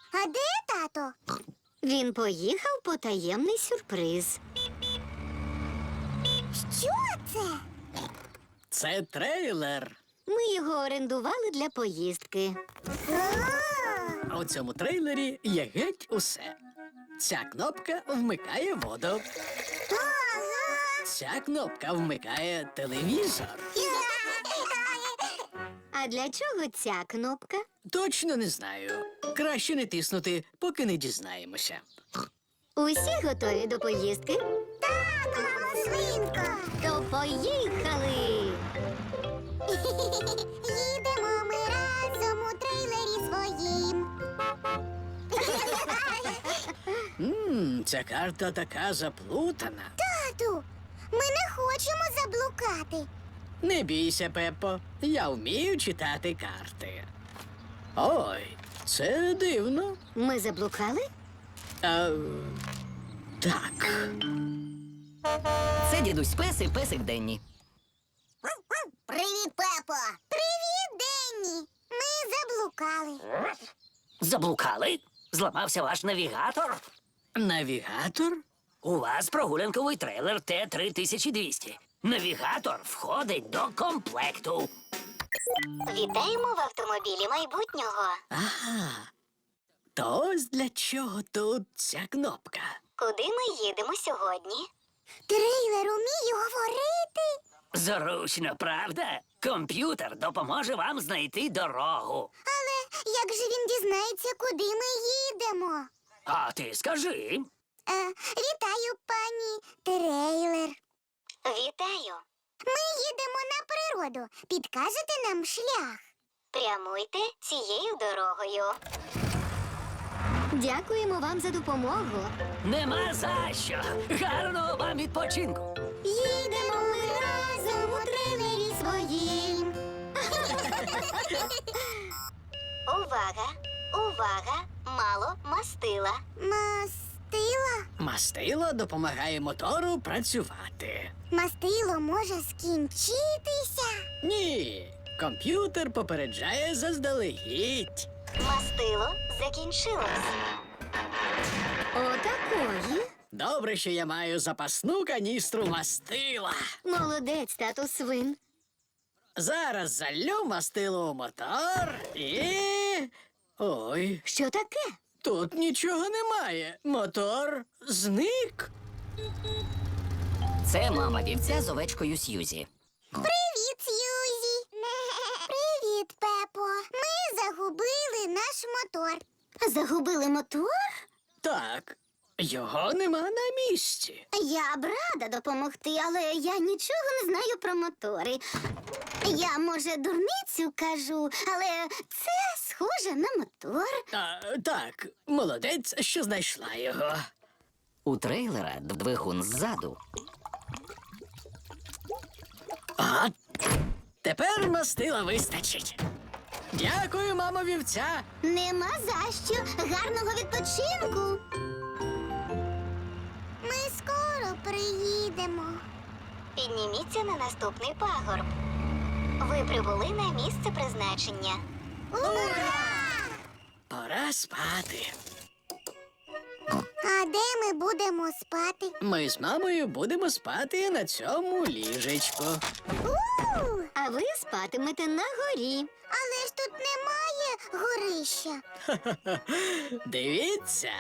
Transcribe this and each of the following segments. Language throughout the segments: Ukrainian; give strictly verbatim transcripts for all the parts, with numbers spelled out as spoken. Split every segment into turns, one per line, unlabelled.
А де тато?
Він поїхав по таємний сюрприз.
Що це?
Це трейлер.
Ми його орендували для поїздки.
А,
У цьому трейлері є геть усе. Ця кнопка вмикає воду.
ага.
Ця кнопка вмикає телевізор.
А для чого ця кнопка?
Точно не знаю. Краще не тиснути, поки не дізнаємося.
Усі готові до поїздки?
Так, мамо, свинко.
То поїхали!
Їдемо ми разом у трейлері своїм.
Ммм, ця карта така заплутана.
Тату, ми не хочемо заблукати.
Не бійся, Пеппо. Я вмію читати карти. Ой, це дивно.
Ми заблукали?
А, так.
Це дідусь Пес і песик Денні.
Привіт, Пепо. Привіт, Денні. Ми заблукали.
Заблукали? Зламався ваш навігатор?
Навігатор?
У вас прогулянковий трейлер Т три тисячі двісті. Навігатор входить до комплекту.
Вітаємо в автомобілі майбутнього.
Ага. То ось для чого тут ця кнопка.
Куди ми їдемо сьогодні?
Трейлер уміє говорити.
Зручно, правда? Комп'ютер допоможе вам знайти дорогу.
Але як же він дізнається, куди ми їдемо?
А ти скажи.
Е, вітаю, пані трейлер.
Вітаю!
Ми їдемо на природу. Підкажете нам шлях?
Прямуйте цією дорогою. Дякуємо вам за допомогу.
Нема за що. Гарного вам відпочинку.
Їдемо ми разом у трейлері своїм.
Увага! Увага! Мало мастила.
Мастило?
Мастило допомагає мотору працювати.
Мастило може скінчитися.
Ні, комп'ютер попереджає заздалегідь.
Мастило закінчилось. Отакої.
Добре, що я маю запасну каністру мастила.
Молодець, тату свин.
Зараз залю мастило у мотор і. Ой,
Що таке?
тут нічого немає. Мотор зник.
Це мама вівця з овечкою Сьюзі.
Привіт, Сьюзі. Привіт, Пепо. Ми загубили наш мотор.
Загубили мотор?
Так, його нема на місці.
Я б рада допомогти, але я нічого не знаю про мотори. Я, може, дурницю кажу, але це схоже на мотор.
А, так, молодець, що знайшла його.
У трейлера двигун ззаду.
А тепер мастила вистачить. Дякую, мамо вівця.
Нема за що. Гарного відпочинку.
Ми скоро приїдемо.
Підніміться на наступний пагорб. Ви прибули на місце призначення.
Ура!
Пора спати.
А де ми будемо спати?
Ми з мамою будемо спати на цьому ліжечку.
У!
А ви спатимете на горі.
Але ж тут немає горища.
Дивіться.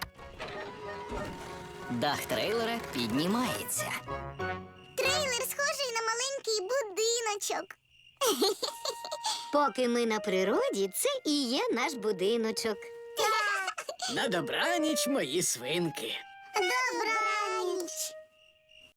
Дах трейлера піднімається.
Трейлер схожий на маленький будиночок.
Поки ми на природі, це і є наш будиночок.
На добраніч, мої свинки.
Добра